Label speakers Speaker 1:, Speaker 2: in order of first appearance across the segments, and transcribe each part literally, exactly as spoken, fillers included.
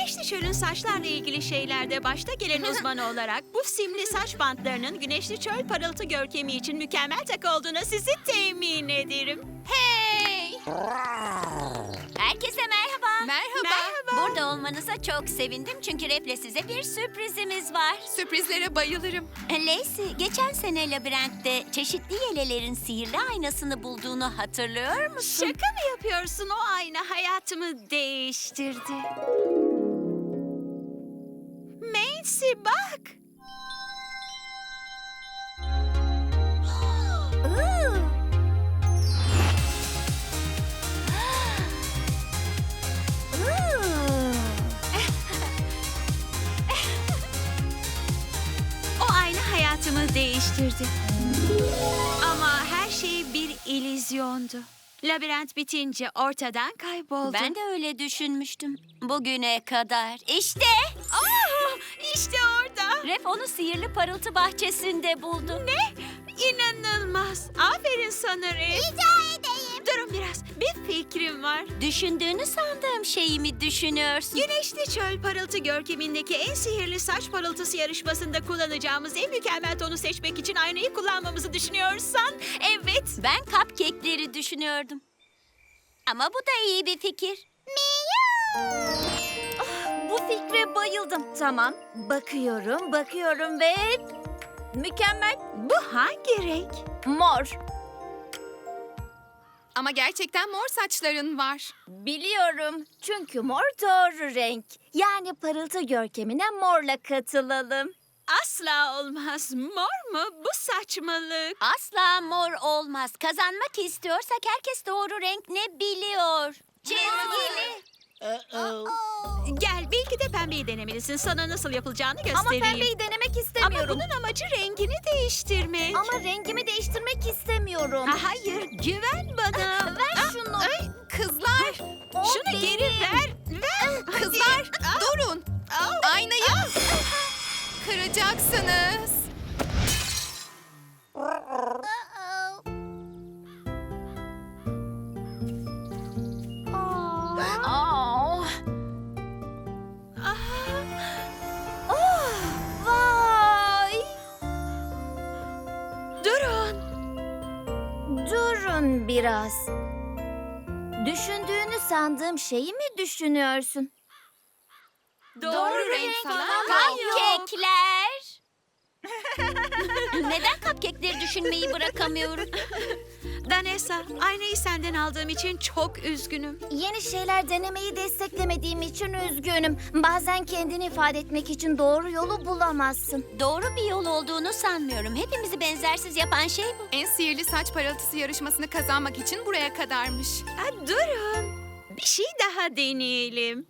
Speaker 1: Güneşli Çöl'ün saçlarla ilgili şeylerde başta gelen uzman olarak bu simli saç bantlarının Güneşli Çöl parıltı görkemi için mükemmel takı olduğuna sizi temin ederim.
Speaker 2: Hey! Herkese merhaba.
Speaker 3: Merhaba.
Speaker 2: Burada olmanıza çok sevindim çünkü Ref'le size bir sürprizimiz var.
Speaker 3: Sürprizlere bayılırım.
Speaker 2: Lacey, geçen sene labirentte çeşitli yelelerin sihirli aynasını bulduğunu hatırlıyor musun?
Speaker 1: Şaka mı yapıyorsun? O ayna hayatımı değiştirdi. Macy bak.
Speaker 2: Ooh. Ooh.
Speaker 1: O ayna hayatımı değiştirdi. Ama her şey bir illüzyondu. Labirent bitince ortadan kayboldu.
Speaker 2: Ben de öyle düşünmüştüm. Bugüne kadar. İşte
Speaker 1: Aa, işte orada.
Speaker 2: Ref onu sihirli parıltı bahçesinde buldu.
Speaker 1: Ne? İnanılmaz. Aferin sana Ref. Rica edeyim. Durun biraz. Bir fikrim var.
Speaker 2: Düşündüğünü sandığım şeyi mi düşünüyorsun?
Speaker 1: Güneşli Çöl parıltı görkemindeki en sihirli saç parıltısı yarışmasında kullanacağımız en mükemmel tonu seçmek için aynayı kullanmamızı düşünüyorsan evet.
Speaker 2: Ben cupcake'leri düşünüyordum. Ama bu da iyi bir fikir.
Speaker 4: Bu fikre bayıldım. Tamam, bakıyorum, bakıyorum ve... Mükemmel.
Speaker 1: Bu hangi renk?
Speaker 4: Mor.
Speaker 3: Ama gerçekten mor saçların var.
Speaker 4: Biliyorum. Çünkü mor doğru renk. Yani parıltı görkemine morla katılalım.
Speaker 1: Asla olmaz. Mor mu? Bu saçmalık.
Speaker 2: Asla mor olmaz. Kazanmak istiyorsak herkes doğru renk ne biliyor. Çizgili.
Speaker 1: Gel belki de pembeyi denemelisin. Sana nasıl yapılacağını
Speaker 4: Ama
Speaker 1: göstereyim.
Speaker 4: pembeyi denemek
Speaker 1: Ama
Speaker 4: istemiyorum.
Speaker 1: bunun amacı rengini değiştirmek.
Speaker 4: Ama rengimi değiştirmek istemiyorum.
Speaker 1: Ha, hayır, güven bana.
Speaker 4: Ver şunu.
Speaker 1: Ay,
Speaker 3: Kızlar,
Speaker 4: O
Speaker 1: şunu
Speaker 4: benim.
Speaker 1: geri ver. Ver.
Speaker 3: kızlar durun.
Speaker 1: Au.
Speaker 3: Aynayı kıracaksınız.
Speaker 4: Aa.
Speaker 1: Ah,
Speaker 4: Oh, vay.
Speaker 1: durun.
Speaker 4: Durun biraz. Düşündüğünü sandığım şeyi mi düşünüyorsun?
Speaker 1: Doğru, renk falan yok.
Speaker 2: Cupcake'ler. Neden cupcake'leri düşünmeyi bırakamıyorum?
Speaker 1: Danessa, aynayı senden aldığım için çok üzgünüm.
Speaker 4: Yeni şeyler denemeyi desteklemediğim için üzgünüm. Bazen kendini ifade etmek için doğru yolu bulamazsın.
Speaker 2: Doğru bir yol olduğunu sanmıyorum. Hepimizi benzersiz yapan şey bu.
Speaker 3: En sihirli saç parıltısı yarışmasını kazanmak için buraya kadarmış.
Speaker 1: Ha, durun. Bir şey daha deneyelim.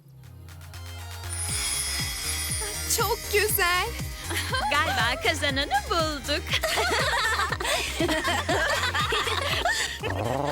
Speaker 3: Çok güzel.
Speaker 1: Galiba kazananı bulduk.